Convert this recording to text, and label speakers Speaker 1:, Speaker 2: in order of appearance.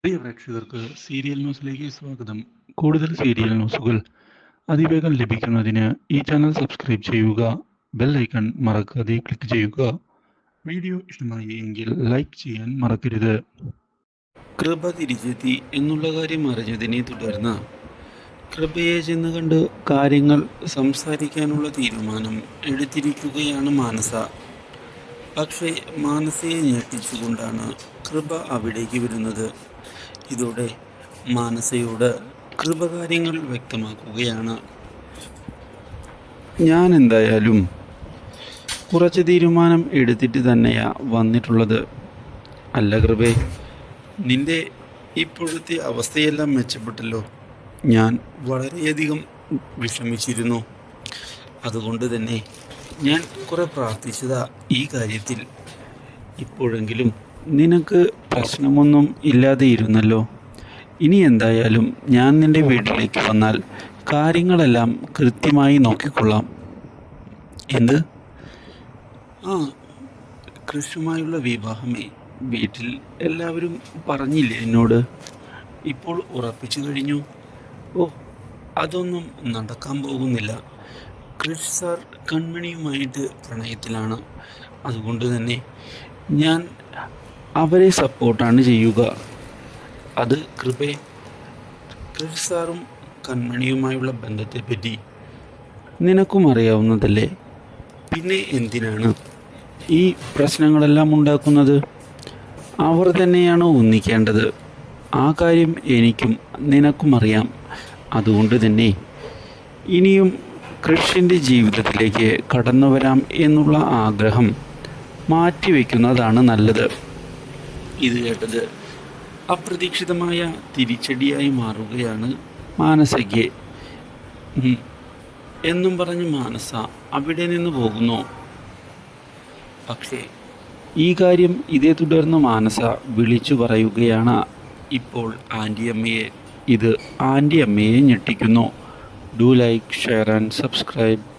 Speaker 1: പ്രിയ പ്രേക്ഷകർക്ക് സീരിയൽ ന്യൂസിലേക്ക് സ്വാഗതം. കൂടുതൽ സീരിയൽ ന്യൂസുകൾ അതിവേഗം ലഭിക്കുന്നതിന് ഈ ചാനൽ സബ്സ്ക്രൈബ് ചെയ്യുക. ബെൽ ഐക്കൺ മറക്കാതെ ക്ലിക്ക് ചെയ്യുക. വീഡിയോ ഇഷ്ടമായി എങ്കിൽ ലൈക്ക് ചെയ്യാൻ മറക്കരുത്. കൃപ തിരിച്ചെത്തി എന്നുള്ള കാര്യം അറിഞ്ഞതിനെ തുടർന്ന് കൃപയെ ചെന്ന് കണ്ട് കാര്യങ്ങൾ സംസാരിക്കാനുള്ള തീരുമാനം എടുത്തിരിക്കുകയാണ് മാനസ. പക്ഷേ മാനസയെ ഞെട്ടിച്ചുകൊണ്ടാണ് കൃപ അവിടേക്ക് വരുന്നത്. ഇതോടെ മാനസയോട് കൃപ കാര്യങ്ങൾ വ്യക്തമാക്കുകയാണ്. ഞാൻ എന്തായാലും കുറച്ച് തീരുമാനം എടുത്തിട്ട് തന്നെയാ വന്നിട്ടുള്ളത്. അല്ല കൃപേ, നിന്റെ ഇപ്പോഴത്തെ അവസ്ഥയെല്ലാം മെച്ചപ്പെട്ടല്ലോ. ഞാൻ വളരെയധികം വിഷമിച്ചിരുന്നു. അതുകൊണ്ട് തന്നെ ഞാൻ കുറെ പ്രാർത്ഥിച്ചതാ ഈ കാര്യത്തിൽ. ഇപ്പോഴെങ്കിലും നിനക്ക് പ്രശ്നമൊന്നും ഇല്ലാതെ ഇരുന്നല്ലോ. ഇനി എന്തായാലും ഞാൻ നിൻ്റെ വീട്ടിലേക്ക് വന്നാൽ കാര്യങ്ങളെല്ലാം കൃത്യമായി നോക്കിക്കൊള്ളാം. എന്ത്? ആ, കൃഷ്ണുമായുള്ള വിവാഹമേ വീട്ടിൽ എല്ലാവരും പറഞ്ഞില്ലേ എന്നോട്? ഇപ്പോൾ ഉറപ്പിച്ചു കഴിഞ്ഞു. ഓ, അതൊന്നും നടക്കാൻ പോകുന്നില്ല. കൃഷ് സാർ കൺമണിയുമായിട്ട് പ്രണയത്തിലാണ്. അതുകൊണ്ട് തന്നെ ഞാൻ അവരെ സപ്പോർട്ടാണ് ചെയ്യുക. അത് കൃപേ, കൃഷ് സാറും കൺമണിയുമായുള്ള ബന്ധത്തെപ്പറ്റി നിനക്കും അറിയാവുന്നതല്ലേ? പിന്നെ എന്തിനാണ് ഈ പ്രശ്നങ്ങളെല്ലാം ഉണ്ടാക്കുന്നത്? അവർ തന്നെയാണ് ഒന്നിക്കേണ്ടത്. ആ കാര്യം എനിക്കും നിനക്കും അറിയാം. അതുകൊണ്ട് തന്നെ ഇനിയും കൃഷിൻ്റെ ജീവിതത്തിലേക്ക് കടന്നു വരാം എന്നുള്ള ആഗ്രഹം മാറ്റിവെക്കുന്നതാണ് നല്ലത്. ഇത് കേട്ടത് അപ്രതീക്ഷിതമായ തിരിച്ചടിയായി മാറുകയാണ് മാനസയ്ക്ക്. എന്നും പറഞ്ഞ് മാനസ അവിടെ നിന്ന് പോകുന്നു. പക്ഷേ ഈ കാര്യം ഇതേ തുടർന്ന് മാനസ വിളിച്ചു പറയുകയാണ് ഇപ്പോൾ ആൻറ്റിയമ്മയെ. ഇത് ആൻറ്റിയമ്മയെ ഞെട്ടിക്കുന്നു. Do like, share and subscribe.